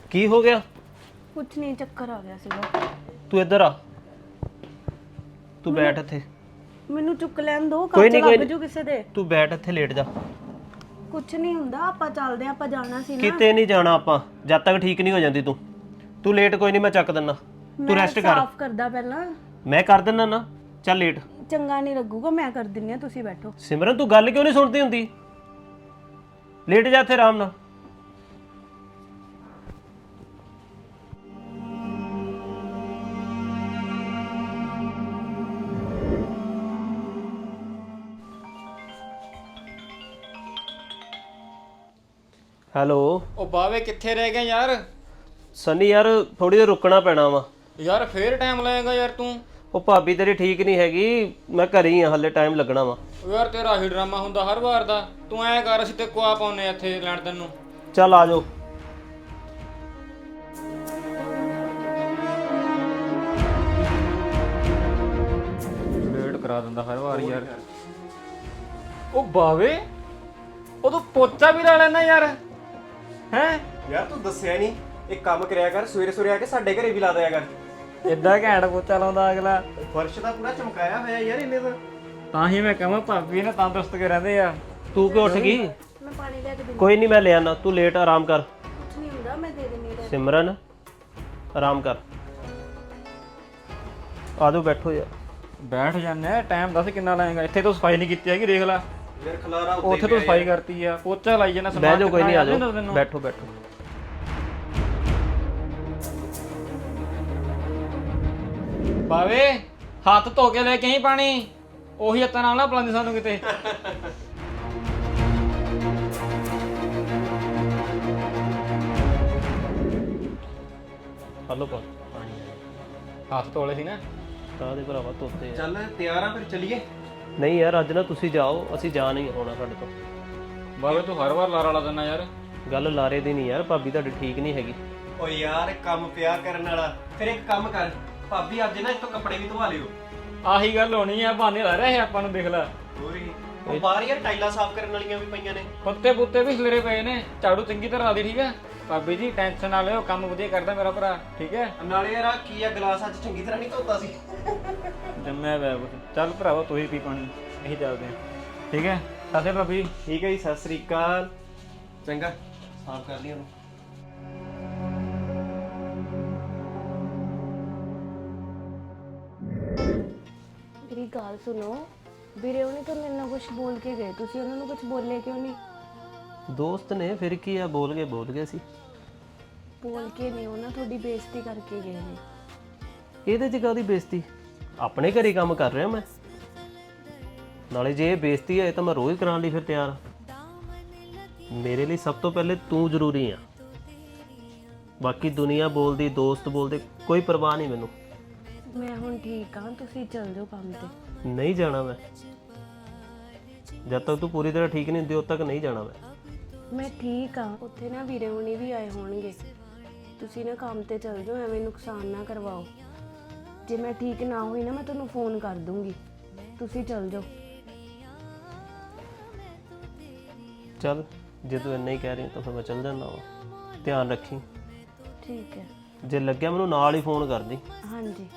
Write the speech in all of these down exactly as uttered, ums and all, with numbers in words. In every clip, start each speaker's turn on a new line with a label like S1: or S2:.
S1: ਕੀ ਹੋ ਗਿਆ?
S2: ਕੁਛ ਨਹੀਂ, ਚੱਕਰ ਆ ਗਿਆ ਸੀਗਾ।
S1: ਤੂੰ ਇੱਧਰ ਆ, ਤੂੰ ਬੈਠ ਇੱਥੇ।
S2: ਮੈਨੂੰ ਚੁੱਕ ਲੈਣ ਦੋ,
S1: ਕੋਈ
S2: ਕੱਚ
S1: ਨਹੀਂ, ਕੋਈ
S2: ਲੱਗ ਜੂ ਕਿਸੇ ਦੇ।
S1: ਤੂੰ ਬੈਠ ਇੱਥੇ, ਲੇਟ ਜਾ।
S2: ਕੁਛ ਨਹੀਂ ਹੁੰਦਾ, ਆਪਾਂ ਚੱਲਦੇ ਆਂ, ਆਪਾਂ ਜਾਣਾ ਸੀ ਨਾ।
S1: ਕਿਤੇ ਨਹੀਂ ਜਾਣਾ ਆਪਾਂ, ਜਦ ਤੱਕ ਠੀਕ ਨਹੀਂ ਹੋ ਜਾਂਦੀ ਤੂੰ। ਤੂੰ ਲੇਟ ਕੋਈ ਨਹੀਂ, ਮੈਂ ਚੱਕ ਦਿੰਦਾ, ਤੂੰ ਰੈਸਟ ਕਰ।
S2: ਸਾਫ਼ ਕਰਦਾ ਪਹਿਲਾਂ।
S1: ਮੈਂ ਕਰ ਦਿੰਦਾ ਨਾ, ਚੱਲ ਲੇਟ।
S2: ਚੰਗਾ ਨਹੀਂ ਲੱਗੂਗਾ, ਮੈਂ ਕਰ ਦਿੰਨੀ ਆ, ਤੁਸੀਂ ਬੈਠੋ।
S1: ਸਿਮਰਨ ਤੂੰ ਗੱਲ ਕਿਉਂ ਨਹੀਂ ਸੁਣਦੀ ਹੁੰਦੀ? ਲੇਟ ਜਾ ਇੱਥੇ ਆਰਾਮ ਨਾਲ। ਹੈਲੋ।
S3: ਉਹ ਬਾਵੇ ਕਿੱਥੇ ਰਹਿ ਗਿਆ ਯਾਰ?
S1: ਸਨੀ ਯਾਰ ਥੋੜੀ ਦੇਰ ਰੁਕਣਾ ਪੈਣਾ ਵਾ
S3: ਯਾਰ ਫੇਰ ਟਾਈਮ ਲਾਏਗਾ ਯਾਰ ਤੂੰ।
S1: ਉਹ ਭਾਬੀ ਤੇਰੀ ਠੀਕ ਨਹੀਂ ਹੈਗੀ, ਮੈਂ ਘਰੇ ਹੀ ਆ, ਹਲੇ ਟਾਈਮ ਲੱਗਣਾ ਵਾ।
S3: ਯਾਰ ਤੇਰਾ ਹੀ ਡਰਾਮਾ ਹੁੰਦਾ ਹਰ ਵਾਰ ਦਾ। ਤੂੰ ਐਂ ਕਰ, ਅਸੀਂ ਤੇ ਕੁਆ ਪਾਉਨੇ ਇੱਥੇ ਲੈਣ ਤੈਨੂੰ।
S1: ਚੱਲ ਆ ਜਾਓ।
S3: ਲੇਟ ਕਰਾ ਦਿੰਦਾ ਹਰ ਵਾਰ ਯਾਰ। ਉਹ ਬਾਵੇ ਉਹ ਤੂੰ ਪੋਚਾ ਵੀ ਲਾ ਲੈਣਾ ਯਾਰ। ਹੈ
S4: ਯਾਰ ਤੂੰ ਦੱਸਿਆ ਨਹੀਂ, ਇੱਕ ਕੰਮ ਕਰਿਆ ਕਰ, ਸਵੇਰੇ ਸਵੇਰੇ ਆ ਕੇ ਸਾਡੇ ਘਰੇ ਵੀ ਲਾ ਦਿਆ ਕਰ।
S3: ਇੱਦਾਂ ਘੈਂਟ ਪੋਚਾ ਲਾਉਂਦਾ ਅਗਲਾ।
S4: ਫਰਸ਼ ਤਾਂ ਪੂਰਾ ਚਮਕਾਇਆ ਹੋਇਆ ਯਾਰ ਇਹਨੇ ਤਾਂ।
S3: ਤਾਂ ਹੀ ਮੈਂ ਕਹਾਂ ਭਾਬੀ ਨੇ ਤੰਦਰੁਸਤ ਕੇ ਰਹਿੰਦੇ ਆ।
S1: ਤੂੰ ਕਿਉਂ ਉੱਠ ਗਈ?
S2: ਮੈਂ ਪਾਣੀ ਲੈ ਕੇ ਦਿੰਦੀ।
S1: ਕੋਈ ਨਹੀਂ, ਮੈਂ ਲੈ ਆਣਾ, ਤੂੰ ਲੇਟ ਆਰਾਮ ਕਰ।
S2: ਕੁਛ ਨਹੀਂ ਹੁੰਦਾ, ਮੈਂ ਦੇ ਦਿੰਨੀ ਆ।
S1: ਸਿਮਰਨ ਆਰਾਮ ਕਰ। ਆ ਜਾਓ, ਬੈਠੋ ਯਾਰ।
S3: ਬੈਠ ਜਾਂਦੇ, ਟਾਈਮ ਦੱਸ ਕਿੰਨਾ ਲਾਏਗਾ? ਇੱਥੇ ਤੂੰ ਸਫਾਈ ਨਹੀਂ ਕੀਤੀ ਹੈਗੀ, ਦੇਖ ਲੈ।
S4: ਯਾਰ ਖਲਾਰਾ
S3: ਉੱਥੇ ਤੂੰ ਸਫਾਈ ਕਰਤੀ ਆ, ਪੋਚਾ ਲਾਈ ਜਾਣਾ।
S1: ਬਹਿ ਜਾਓ, ਕੋਈ ਨਹੀਂ, ਆ ਜਾਓ, ਬੈਠੋ ਬੈਠੋ।
S3: ਬਾਵੇ ਹੱਥ ਧੋ ਕੇ ਲੈ ਕੇ ਆਈ ਪਾਣੀ, ਉਹੀ ਹੱਥਾਂ ਨਾਲ ਨਾ ਪਲਾਂਦੀ ਸਾਨੂੰ ਕਿਤੇ।
S1: ਹਲੋ ਪਾ
S3: ਹੱਥ ਧੋਲੇ ਸੀ ਨਾ।
S1: ਤਾਂ ਦੇ ਭਰਾਵਾ ਧੋਤੇ ਆ।
S4: ਚੱਲ ਤਿਆਰ ਆ ਫਿਰ ਚੱਲੀਏ।
S1: ਨਹੀਂ ਯਾਰ, ਅੱਜ ਨਾ ਤੁਸੀਂ ਜਾਓ, ਅਸੀਂ ਜਾ ਨਹੀਂ ਹੋਣਾ ਸਾਡੇ ਤੋਂ।
S3: ਬਾਵੇ ਤੂੰ ਹਰ ਵਾਰ ਲਾਰਾ ਲਾ ਦਿੰਦਾ ਯਾਰ।
S1: ਗੱਲ ਲਾਰੇ ਦੀ ਨਹੀਂ ਯਾਰ, ਭਾਬੀ ਤੁਹਾਡੀ ਠੀਕ ਨਹੀਂ ਹੈਗੀ।
S4: ਓ ਯਾਰ ਕੰਮ ਪਿਆ ਕਰਨ ਵਾਲਾ। ਫਿਰ ਇੱਕ ਕੰਮ ਕਰ, ਭਾਬੀ ਅੱਜ ਨਾ ਇੱਥੋਂ ਕੱਪੜੇ ਵੀ ਧਵਾ ਲਿਓ।
S3: ਆਹੀ ਗੱਲ ਹੋਣੀ ਆ, ਬਹਾਨੇ ਲਾ ਰਿਹਾ ਹੈ ਆਪਾਂ ਨੂੰ, ਦੇਖ ਲੈ।
S4: ਹੋਰੀ ਉਹ ਬਾਹਰ ਯਾਰ ਟਾਈਲਾਂ ਸਾਫ਼ ਕਰਨ ਵਾਲੀਆਂ ਵੀ ਪਈਆਂ ਨੇ।
S3: ਪੱਤੇ ਪੁੱਤੇ ਵੀ ਖਿਲਰੇ ਪਏ ਨੇ, ਝਾੜੂ ਚੰਗੀ ਤਰ੍ਹਾਂ ਲਾ ਦੇ, ਠੀਕ ਹੈ? ਭਾਬੀ ਜੀ ਟੈਨਸ਼ਨ ਨਾ ਲਿਓ, ਕੰਮ ਵਧੀਆ ਕਰਦਾ ਮੇਰਾ ਭਰਾ, ਠੀਕ ਹੈ?
S4: ਨਾਲੇ ਯਾਰ ਆਹ ਕੀ ਆ, ਗਲਾਸ ਅੱਜ ਚੰਗੀ ਤਰ੍ਹਾਂ ਨਹੀਂ ਧੋਤਾ ਸੀ।
S3: ਜੰਮਿਆ ਪਿਆ ਕੁਛ। ਚੱਲ ਭਰਾਵਾ ਤੂੰ ਹੀ ਪੀ ਪਾਣੀ, ਇਹੀ ਚੱਲਦੇ ਆ, ਠੀਕ ਹੈ? ਸਸੇ ਭਾਬੀ।
S4: ਠੀਕ ਹੈ ਜੀ, ਸਤਿ ਸ੍ਰੀ ਅਕਾਲ। ਚੰਗਾ ਸਾਫ਼ ਕਰ ਲਈ ਉਹਨੂੰ।
S2: ਮੇਰੀ ਗੱਲ ਸੁਣੋ, ਵੀਰੇ ਉਹਨੇ ਤਾਂ ਮੇਰੇ ਨਾਲ ਕੁਝ ਬੋਲ ਕੇ ਗਏ, ਤੁਸੀਂ ਉਹਨਾਂ ਨੂੰ ਕੁਝ ਬੋਲੇ ਕਿਉਂ ਨਹੀਂ?
S1: ਦੋਸਤ ਨੇ, ਫਿਰ ਕੀ ਆ, ਬੋਲ ਗਏ ਬੋਲ ਗਏ ਸੀ।
S2: ਬੋਲ ਕੇ ਨਹੀਂ, ਉਹਨਾਂ ਤੁਹਾਡੀ ਬੇਇੱਜ਼ਤੀ ਕਰਕੇ ਗਏ ਨੇ।
S1: ਇਹਦੇ ਚ ਕਾਹਦੀ ਬੇਇੱਜ਼ਤੀ? ਆਪਣੇ ਘਰੇ ਕੰਮ ਕਰ ਰਿਹਾ ਮੈਂ। ਨਾਲੇ ਜੇ ਇਹ ਬੇਇੱਜ਼ਤੀ ਹੈ ਤਾਂ ਮੈਂ ਰੋਜ਼ ਕਰਾਉਣ ਲਈ ਫਿਰ ਤਿਆਰ ਹਾਂ। ਮੇਰੇ ਲਈ ਸਭ ਤੋਂ ਪਹਿਲੇ ਤੂੰ ਜ਼ਰੂਰੀ ਆ, ਬਾਕੀ ਦੁਨੀਆ ਬੋਲਦੀ, ਦੋਸਤ ਬੋਲਦੇ, ਕੋਈ ਪਰਵਾਹ ਨਹੀਂ ਮੈਨੂੰ।
S2: ਮੈਂ ਹੁਣ ਠੀਕ ਹਾਂ, ਤੁਸੀਂ ਚੱਲ ਜਾਓ ਕੰਮ ਤੇ।
S1: ਨਹੀਂ ਜਾਣਾ ਮੈਂ, ਜਦ ਤੱਕ ਤੂੰ ਪੂਰੀ ਤਰ੍ਹਾਂ ਠੀਕ ਨਹੀਂ ਹੁੰਦੀ ਉਦ ਤੱਕ ਨਹੀਂ ਜਾਣਾ ਮੈਂ।
S2: ਮੈਂ ਠੀਕ ਹਾਂ, ਉੱਥੇ ਨਾ ਵੀਰੇ ਹੁਣੀ ਵੀ ਆਏ ਹੋਣਗੇ। ਤੁਸੀਂ ਨਾ ਕੰਮ ਤੇ ਚੱਲ ਜਾਓ, ਐਵੇਂ ਨੁਕਸਾਨ ਨਾ ਕਰਵਾਓ। ਜੇ ਮੈਂ ਠੀਕ ਨਾ ਹੋਈ ਨਾ, ਮੈਂ ਤੁਹਾਨੂੰ ਫੋਨ ਕਰ ਦੂੰਗੀ, ਤੁਸੀਂ ਚੱਲ ਜਾਓ।
S1: ਚੱਲ, ਜੇ ਤੂੰ ਇੰਨਾ ਹੀ ਕਹਿ ਰਹੀ ਤਾਂ ਫਿਰ ਮੈਂ ਚੱਲ ਜਾਂਦਾ ਵਾ। ਧਿਆਨ ਰੱਖੀ,
S2: ਠੀਕ ਹੈ?
S1: ਜੇ ਲੱਗਿਆ ਮੈਨੂੰ ਨਾਲ ਹੀ ਫੋਨ ਕਰ ਦੀ।
S2: ਹਾਂਜੀ।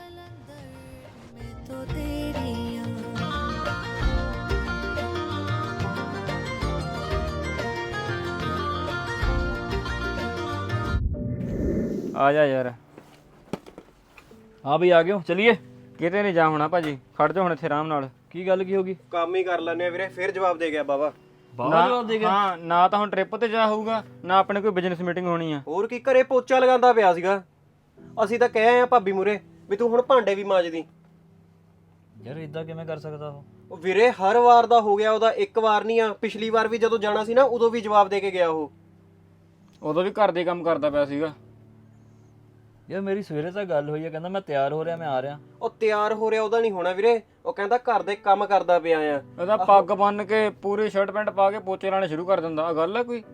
S3: ਆ ਜਾ ਯਾਰ। ਹਾਂ ਬਈ ਆ ਗਿਓ, ਚਲੀਏ। ਕਿਤੇ ਨਹੀਂ ਜਾ ਹੋਣਾ ਭਾਜੀ, ਖੜ ਜਾ ਹੁਣ ਇੱਥੇ ਆਰਾਮ ਨਾਲ। ਕੀ ਗੱਲ ਕੀ ਹੋ ਗਈ?
S4: ਕੰਮ ਹੀ ਕਰ ਲੈਣੇ ਆ ਵੀਰੇ। ਫਿਰ ਜਵਾਬ ਦੇ ਗਿਆ ਬਾਬਾ।
S3: ਹਾਂ, ਨਾ ਤਾਂ ਹੁਣ ਟ੍ਰਿਪ ਤੇ ਜਾ ਹੋਊਗਾ, ਨਾ ਆਪਣੇ ਕੋਈ ਬਿਜ਼ਨਸ ਮੀਟਿੰਗ ਹੋਣੀ ਆ।
S4: ਹੋਰ ਕੀ, ਘਰੇ ਪੋਚਾ ਲਗਾਉਂਦਾ ਪਿਆ ਸੀਗਾ। ਅਸੀਂ ਤਾਂ ਕਹਿ ਆਏ ਆ ਭਾਬੀ ਮੂਰੇ ਵੀ ਤੂੰ ਹੁਣ ਭਾਂਡੇ ਵੀ ਮਾਂਜਦੀ।
S3: ਯਾਰ ਇਦਾਂ ਕਿਵੇਂ ਕਰ ਸਕਦਾ ਉਹ?
S4: ਉਹ ਵੀਰੇ ਹਰ ਵਾਰ ਦਾ ਹੋ ਗਿਆ ਉਹਦਾ, ਇੱਕ ਵਾਰ ਨਹੀਂ ਆ। ਪਿਛਲੀ ਵਾਰ ਵੀ ਜਦੋਂ ਜਾਣਾ ਸੀ ਨਾ, ਉਦੋਂ ਵੀ ਜਵਾਬ ਦੇ ਕੇ ਗਿਆ ਉਹ।
S3: ਉਦੋਂ ਵੀ ਘਰ ਦੇ ਕੰਮ ਕਰਦਾ ਪਿਆ ਸੀਗਾ।
S5: ਯਾਰ ਮੇਰੀ ਸਵੇਰੇ ਤਾਂ ਗੱਲ ਹੋਈ ਆ, ਕਹਿੰਦਾ ਮੈਂ ਤਿਆਰ ਹੋ ਰਿਹਾ, ਮੈਂ ਆ ਰਿਹਾ।
S4: ਉਹ ਤਿਆਰ ਹੋ ਰਿਹਾ ਉਹਦਾ ਨਹੀਂ ਹੋਣਾ ਵੀਰੇ, ਉਹ ਕਹਿੰਦਾ ਘਰ ਦੇ ਕੰਮ ਕਰਦਾ ਪਿਆ ਆ।
S3: ਉਹਦਾ ਪੱਗ ਬੰਨ ਕੇ ਪੂਰੀ ਸ਼ਰਟ ਪੈਂਟ ਪਾ ਕੇ ਪੋਚੇ ਲਾਣੇ ਸ਼ੁਰੂ ਕਰ ਦਿੰਦਾ। ਆ ਗੱਲ ਆ ਕੋਈ?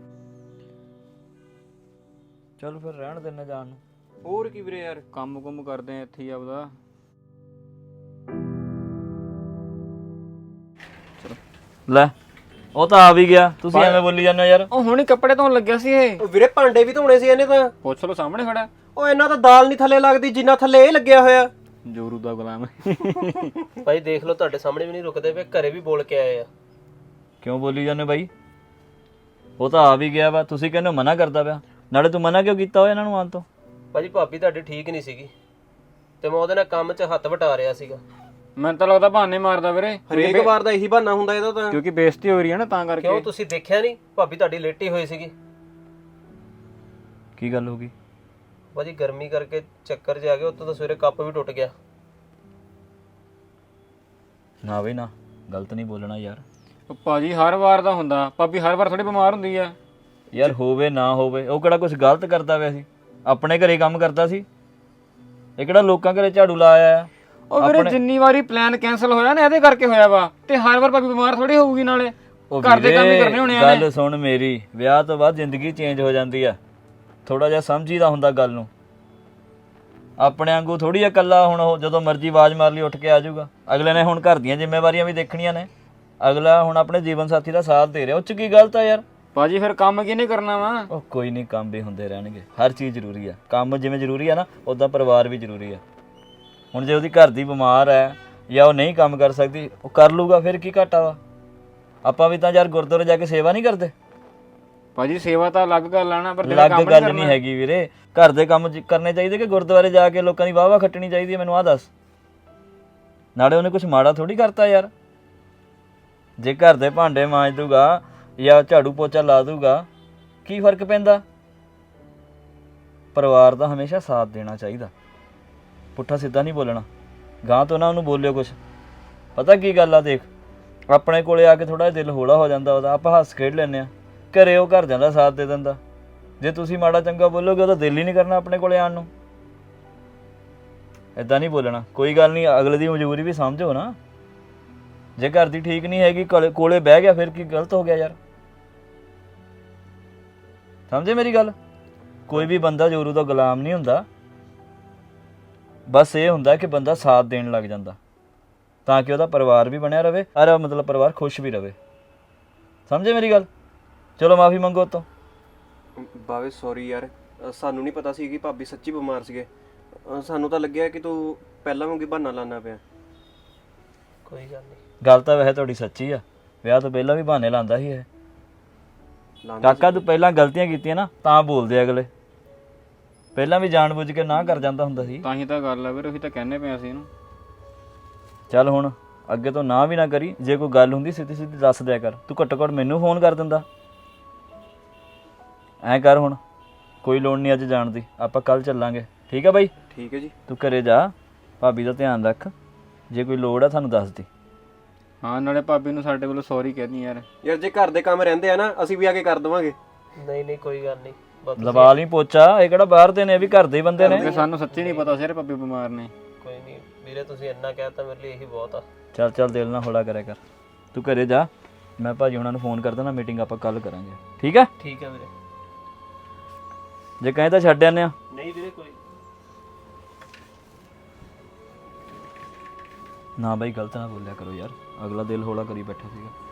S5: ਚੱਲ ਫਿਰ ਰਹਿਣ ਦਿੰਨੇ ਜਾਣ ਨੂੰ।
S4: ਹੋਰ ਕੀ ਵੀਰੇ ਯਾਰ,
S3: ਕੰਮ ਕੁੰਮ ਕਰਦੇ ਆ ਇੱਥੇ ਹੀ ਆਪਦਾ।
S5: ਲੈ ਉਹ ਤਾਂ ਆ ਵੀ ਗਿਆ, ਤੁਸੀਂ ਐਵੇਂ ਬੋਲੀ ਜਾਂਦੇ ਹੋ ਯਾਰ।
S3: ਉਹ ਹੁਣੀ ਕੱਪੜੇ ਧੋਣ ਲੱਗਿਆ ਸੀ ਇਹ।
S4: ਉਹ ਵੀਰੇ ਭਾਂਡੇ ਵੀ ਧੋਣੇ ਸੀ ਇਹਨੇ ਤਾਂ।
S3: ਪੁੱਛ ਲਓ, ਸਾਹਮਣੇ ਖੜਾ।
S4: ਉਹ ਇਹਨਾਂ ਤਾਂ ਦਾਲ ਨਹੀਂ ਥੱਲੇ ਲੱਗਦੀ ਜਿੰਨਾ ਥੱਲੇ ਇਹ ਲੱਗਿਆ ਹੋਇਆ।
S3: ਜੋਰੂ ਦਾ ਗੁਲਾਮ।
S1: ਭਾਈ ਦੇਖ ਲਓ, ਤੁਹਾਡੇ ਸਾਹਮਣੇ ਵੀ ਨਹੀਂ ਰੁਕਦੇ ਪਏ, ਘਰੇ ਵੀ ਬੋਲ ਕੇ ਆਏ ਆ।
S5: ਕਿਉਂ ਬੋਲੀ ਜਾਂਦੇ ਬਾਈ? ਉਹ ਤਾਂ ਆ ਵੀ ਗਿਆ ਵਾ, ਤੁਸੀਂ ਕਹਿੰਦੇ ਹੋ ਮਨਾ ਕਰਦਾ ਪਿਆ। ਨਾਲੇ ਤੂੰ ਮਨਾ ਕਿਉਂ ਕੀਤਾ ਹੋਇਆ ਇਹਨਾਂ ਨੂੰ ਆਉਣ ਤੋਂ?
S1: ਭਾਜੀ ਭਾਬੀ ਤੁਹਾਡੀ ਠੀਕ ਨਹੀਂ ਸੀਗੀ ਤੇ ਮੈਂ ਉਹਦੇ ਨਾਲ ਕੰਮ 'ਚ ਹੱਥ ਵਟਾ ਰਿਹਾ ਸੀਗਾ।
S3: ਮੈਨੂੰ ਤਾਂ ਲੱਗਦਾ ਬਹਾਨੇ ਮਾਰਦਾ ਵੀਰੇ,
S4: ਹਰੇਕ ਵਾਰ ਦਾ ਇਹੀ ਬਹਾਨਾ ਹੁੰਦਾ ਇਹਦਾ ਤਾਂ।
S3: ਕਿਉਂਕਿ ਬੇਇੱਜ਼ਤੀ ਹੋ ਰਹੀ ਹੈ ਨਾ ਤਾਂ ਕਰਕੇ।
S1: ਕਿਉਂ ਤੁਸੀਂ ਦੇਖਿਆ ਨਹੀਂ ਭਾਬੀ ਤੁਹਾਡੀ ਲੇਟੀ ਹੋਈ ਸੀਗੀ?
S5: ਕੀ ਗੱਲ ਹੋ ਗਈ?
S1: ਭਾਜੀ ਗਰਮੀ ਕਰਕੇ ਚੱਕਰ 'ਚ ਆ ਗਏ, ਉੱਤੋਂ ਤਾਂ ਸਵੇਰੇ ਕੱਪ ਵੀ ਟੁੱਟ ਗਿਆ।
S5: ਨਾ ਬਈ ਨਾ, ਗਲਤ ਨਹੀਂ ਬੋਲਣਾ ਯਾਰ।
S3: ਉਹ ਭਾਜੀ ਹਰ ਵਾਰ ਦਾ ਹੁੰਦਾ, ਭਾਬੀ ਹਰ ਵਾਰ ਥੋੜੀ ਬਿਮਾਰ ਹੁੰਦੀ ਆ।
S5: ਯਾਰ ਹੋਵੇ ਨਾ ਹੋਵੇ, ਉਹ ਕਿਹੜਾ ਕੁਝ ਗਲਤ ਕਰਦਾ ਪਿਆ ਸੀ? ਆਪਣੇ ਘਰੇ ਕੰਮ ਕਰਦਾ ਸੀ। ਇਹ ਕਿਹੜਾ ਲੋਕਾਂ ਘਰੇ ਝਾੜੂ ਲਾਇਆ ਆ?
S3: ਉਹ ਵੀਰੇ ਜਿੰਨੀ ਵਾਰੀ ਪਲਾਨ ਕੈਨਸਲ ਹੋਇਆ ਨਾ ਇਹਦੇ ਕਰਕੇ ਹੋਇਆ ਵਾ, ਤੇ ਹਰ ਵਾਰ ਭਾਬੀ ਬਿਮਾਰ ਥੋੜੀ ਹੋਊਗੀ। ਨਾਲੇ ਘਰ ਦੇ ਕੰਮ ਹੀ ਕਰਨੇ ਹੋਣੇ ਆ।
S5: ਗੱਲ ਸੁਣ ਮੇਰੀ, ਵਿਆਹ ਤੋਂ ਬਾਅਦ ਜ਼ਿੰਦਗੀ ਚੇਂਜ ਹੋ ਜਾਂਦੀ ਆ। ਥੋੜਾ ਜਿਹਾ ਸਮਝੀਦਾ ਹੁੰਦਾ ਗੱਲ ਨੂੰ। ਆਪਣੇ ਵਾਂਗੂ ਥੋੜੀ ਆ ਇਕੱਲਾ ਹੁਣ ਉਹ ਜਦੋਂ ਮਰਜ਼ੀ ਆਵਾਜ਼ ਮਾਰ ਲਈ ਉੱਠ ਕੇ ਆ ਜਾਊਗਾ। ਅਗਲੇ ਨੇ ਹੁਣ ਘਰ ਦੀਆਂ ਜ਼ਿੰਮੇਵਾਰੀਆਂ ਵੀ ਦੇਖਣੀਆਂ ਨੇ। ਅਗਲਾ ਹੁਣ ਆਪਣੇ ਜੀਵਨ ਸਾਥੀ ਦਾ ਸਾਥ ਦੇ ਰਿਹਾ, ਉਹ 'ਚ ਕੀ ਗਲਤ ਆ ਯਾਰ?
S3: ਭਾਜੀ ਫਿਰ ਕੰਮ ਕਿਹਨੇ ਕਰਨਾ ਵਾ?
S5: ਉਹ ਕੋਈ ਨਹੀਂ, ਕੰਮ ਵੀ ਹੁੰਦੇ ਰਹਿਣਗੇ। ਹਰ ਚੀਜ਼ ਜ਼ਰੂਰੀ ਆ। ਕੰਮ ਜਿਵੇਂ ਜ਼ਰੂਰੀ ਆ ਨਾ, ਉੱਦਾਂ ਪਰਿਵਾਰ ਵੀ ਜ਼ਰੂਰੀ ਆ। ਹੁਣ ਜੇ ਉਹਦੀ ਘਰ ਦੀ ਬਿਮਾਰ ਹੈ ਜਾਂ ਉਹ ਨਹੀਂ ਕੰਮ ਕਰ ਸਕਦੀ, ਉਹ ਕਰ ਲੂਗਾ, ਫਿਰ ਕੀ ਘਾਟਾ ਵਾ? ਆਪਾਂ ਵੀ ਤਾਂ ਯਾਰ ਗੁਰਦੁਆਰੇ ਜਾ ਕੇ ਸੇਵਾ ਨਹੀਂ ਕਰਦੇ?
S3: ਭਾਜੀ ਸੇਵਾ ਤਾਂ ਅਲੱਗ ਗੱਲ ਆ ਨਾ, ਪਰ
S5: ਅਲੱਗ ਗੱਲ ਨਹੀਂ ਹੈਗੀ ਵੀਰੇ। ਘਰ ਦੇ ਕੰਮ ਜ- ਕਰਨੇ ਚਾਹੀਦੇ ਕਿ ਗੁਰਦੁਆਰੇ ਜਾ ਕੇ ਲੋਕਾਂ ਦੀ ਵਾਹ ਵਾਹ ਖੱਟਣੀ ਚਾਹੀਦੀ ਹੈ? ਮੈਨੂੰ ਆਹ ਦੱਸ। ਨਾਲੇ ਉਹਨੇ ਕੁਝ ਮਾੜਾ ਥੋੜੀ ਕਰਤਾ ਯਾਰ। ਜੇ ਘਰ ਦੇ ਭਾਂਡੇ ਮਾਂਜ ਦੂਗਾ ਜਾਂ ਝਾੜੂ ਪੋਚਾ ਲਾ ਦੂਗਾ, ਕੀ ਫਰਕ ਪੈਂਦਾ? ਪਰਿਵਾਰ ਦਾ ਹਮੇਸ਼ਾ ਸਾਥ ਦੇਣਾ ਚਾਹੀਦਾ, ਪੁੱਠਾ ਸਿੱਧਾ ਨਹੀਂ ਬੋਲਣਾ। ਗਾਂ ਤੋਂ ਨਾ ਉਹਨੂੰ ਬੋਲਿਓ ਕੁਛ। ਪਤਾ ਕੀ ਗੱਲ ਆ, ਦੇਖ ਆਪਣੇ ਕੋਲੇ ਆ ਕੇ ਥੋੜਾ ਜਿਹਾ ਦਿਲ ਹੌਲਾ ਹੋ ਜਾਂਦਾ ਉਹਦਾ, ਆਪਾਂ ਹੱਸ ਖੇਡ ਲੈਂਦੇ ਆ। ਘਰੇ ਉਹ ਘਰ ਜਾਂਦਾ ਸਾਥ ਦੇ ਦਿੰਦਾ। ਜੇ ਤੁਸੀਂ ਮਾੜਾ ਚੰਗਾ ਬੋਲੋਗੇ ਉਹਦਾ ਦਿਲ ਹੀ ਨਹੀਂ ਕਰਨਾ ਆਪਣੇ ਕੋਲੇ ਆਉਣ ਨੂੰ। ਇਦਾਂ ਨਹੀਂ ਬੋਲਣਾ। ਕੋਈ ਗੱਲ ਨਹੀਂ, ਅਗਲੇ ਦੀ ਮਜਬੂਰੀ ਵੀ ਸਮਝੋ ਨਾ। ਜੇ ਘਰ ਦੀ ਠੀਕ ਨਹੀਂ ਹੈਗੀ, ਕੋਲੇ ਕੋਲੇ ਬਹਿ ਗਿਆ, ਫਿਰ ਕੀ ਗਲਤ ਹੋ ਗਿਆ ਯਾਰ? ਸਮਝੇ ਮੇਰੀ ਗੱਲ? ਕੋਈ ਵੀ ਬੰਦਾ ਜ਼ੋਰੂ ਦਾ ਗੁਲਾਮ ਨਹੀਂ ਹੁੰਦਾ। ਬਸ ਇਹ ਹੁੰਦਾ ਕਿ ਬੰਦਾ ਸਾਥ ਦੇਣ ਲੱਗ ਜਾਂਦਾ ਤਾਂ ਕਿ ਉਹਦਾ ਪਰਿਵਾਰ ਵੀ ਬਣਿਆ ਰਵੇ, ਅਰ ਮਤਲਬ ਪਰਿਵਾਰ ਖੁਸ਼ ਵੀ ਰਵੇ। ਸਮਝੇ ਮੇਰੀ ਗੱਲ? ਚਲੋ ਮਾਫੀ ਮੰਗੋ ਉਹ ਤੋਂ।
S4: ਬਾਵੇ ਸੌਰੀ ਯਾਰ, ਅ, ਸਾਨੂੰ ਨਹੀਂ ਪਤਾ ਸੀ ਕਿ ਭਾਬੀ ਸੱਚੀ ਬਿਮਾਰ ਸੀਗੇ। ਅ, ਸਾਨੂੰ ਤਾਂ ਲੱਗਿਆ ਕਿ ਤੂੰ ਪਹਿਲਾਂ ਵਾਂਗੀ ਬਹਾਨਾ ਲਾਣਾ ਪਿਆ।
S1: ਕੋਈ ਗੱਲ ਨਹੀਂ।
S5: ਗੱਲ ਤਾਂ ਵੈਸੇ ਤੁਹਾਡੀ ਸੱਚੀ ਆ। ਵਿਆਹ ਤੋਂ ਪਹਿਲਾਂ ਵੀ ਬਹਾਨੇ ਲਾਉਂਦਾ ਸੀ ਇਹ।
S4: ਲਾਉਂਦਾ
S5: ਕਾਕਾ ਤੂੰ ਪਹਿਲਾਂ ਗਲਤੀਆਂ ਕੀਤੀਆਂ ਨਾ ਤਾਂ ਬੋਲਦੇ ਅਗਲੇ। ਪਹਿਲਾਂ ਵੀ ਜਾਣਬੁੱਝ ਕੇ ਨਾ ਕਰ ਜਾਂਦਾ ਹੁੰਦਾ ਸੀ।
S3: ਤਾਂ ਹੀ ਤਾਂ ਗੱਲ ਆ ਵੀਰੇ, ਉਹੀ ਤਾਂ ਕਹਿੰਦੇ ਪਏ ਅਸੀਂ ਇਹਨੂੰ।
S5: ਚੱਲ ਹੁਣ ਅੱਗੇ ਤੋਂ ਨਾ ਵੀ ਨਾ ਕਰੀ। ਜੇ ਕੋਈ ਗੱਲ ਹੁੰਦੀ ਸਿੱਧੀ ਸਿੱਧੀ ਦੱਸ ਦਿਆ ਕਰ। ਤੂੰ ਘੱਟੋ ਘੱਟ ਮੈਨੂੰ ਫੋਨ ਕਰ ਦਿੰਦਾ। ਐਂ ਕਰ ਹੁਣ, ਕੋਈ ਲੋੜ ਨਹੀਂ ਅੱਜ ਜਾਣ ਦੀ, ਆਪਾਂ ਕੱਲ ਚੱਲਾਂਗੇ। ਠੀਕ ਆ ਬਾਈ?
S4: ਠੀਕ ਹੈ ਜੀ।
S5: ਤੂੰ ਘਰੇ ਜਾ, ਭਾਬੀ ਦਾ ਧਿਆਨ ਰੱਖ। ਜੇ ਕੋਈ ਲੋੜ ਆ ਸਾਨੂੰ ਦੱਸ ਦੀ।
S3: ਹਾਂ, ਨਾਲੇ ਭਾਬੀ ਨੂੰ ਸਾਡੇ ਵੱਲੋਂ ਸੌਰੀ ਕਹਿਣੀ ਯਾਰ।
S4: ਯਾਰ ਜੇ ਘਰ ਦੇ ਕੰਮ ਰਹਿੰਦੇ ਆ ਨਾ, ਅਸੀਂ ਵੀ ਆ ਕੇ ਕਰ ਦੇਵਾਂਗੇ।
S1: ਨਹੀਂ ਨਹੀਂ ਕੋਈ ਗੱਲ ਨਹੀਂ। ਬਸ
S5: ਲਵਾ ਲਈ ਪੋਚਾ। ਇਹ ਕਿਹੜਾ ਬਾਹਰ ਦੇ ਨੇ, ਇਹ ਵੀ ਘਰ ਦੇ ਹੀ ਬੰਦੇ ਨੇ।
S3: ਸਾਨੂੰ ਸੱਚੀ ਨਹੀਂ ਪਤਾ ਸੀ ਭਾਬੀ ਬਿਮਾਰ ਨੇ।
S1: ਕੋਈ ਨਹੀਂ ਵੀਰੇ, ਤੁਸੀਂ ਇੰਨਾ ਕਹਿਤਾ ਮੇਰੇ ਲਈ ਇਹੀ ਬਹੁਤ ਆ।
S5: ਚੱਲ ਚੱਲ ਦਿਲ ਨਾ ਹੌਲਾ ਕਰਿਆ ਕਰ। ਤੂੰ ਘਰੇ ਜਾ, ਮੈਂ ਭਾਜੀ ਹੁਣਾਂ ਨੂੰ ਫੋਨ ਕਰ ਦੇਣਾ, ਮੀਟਿੰਗ ਆਪਾਂ ਕੱਲ ਕਰਾਂਗੇ। ਠੀਕ ਹੈ?
S1: ਠੀਕ ਹੈ ਵੀਰੇ।
S5: ਜੇ ਕਹੇ ਤਾਂ ਛੱਡ ਆਨੇ ਆ।
S1: ਨਹੀਂ ਵੀਰੇ ਕੋਈ
S5: ਨਾ ਬਾਈ, ਗਲਤ ਨਾ ਬੋਲਿਆ ਕਰੋ ਯਾਰ। ਅਗਲਾ ਦਿਲ ਹੌਲਾ ਕਰੀ ਬੈਠਾ ਸੀਗਾ।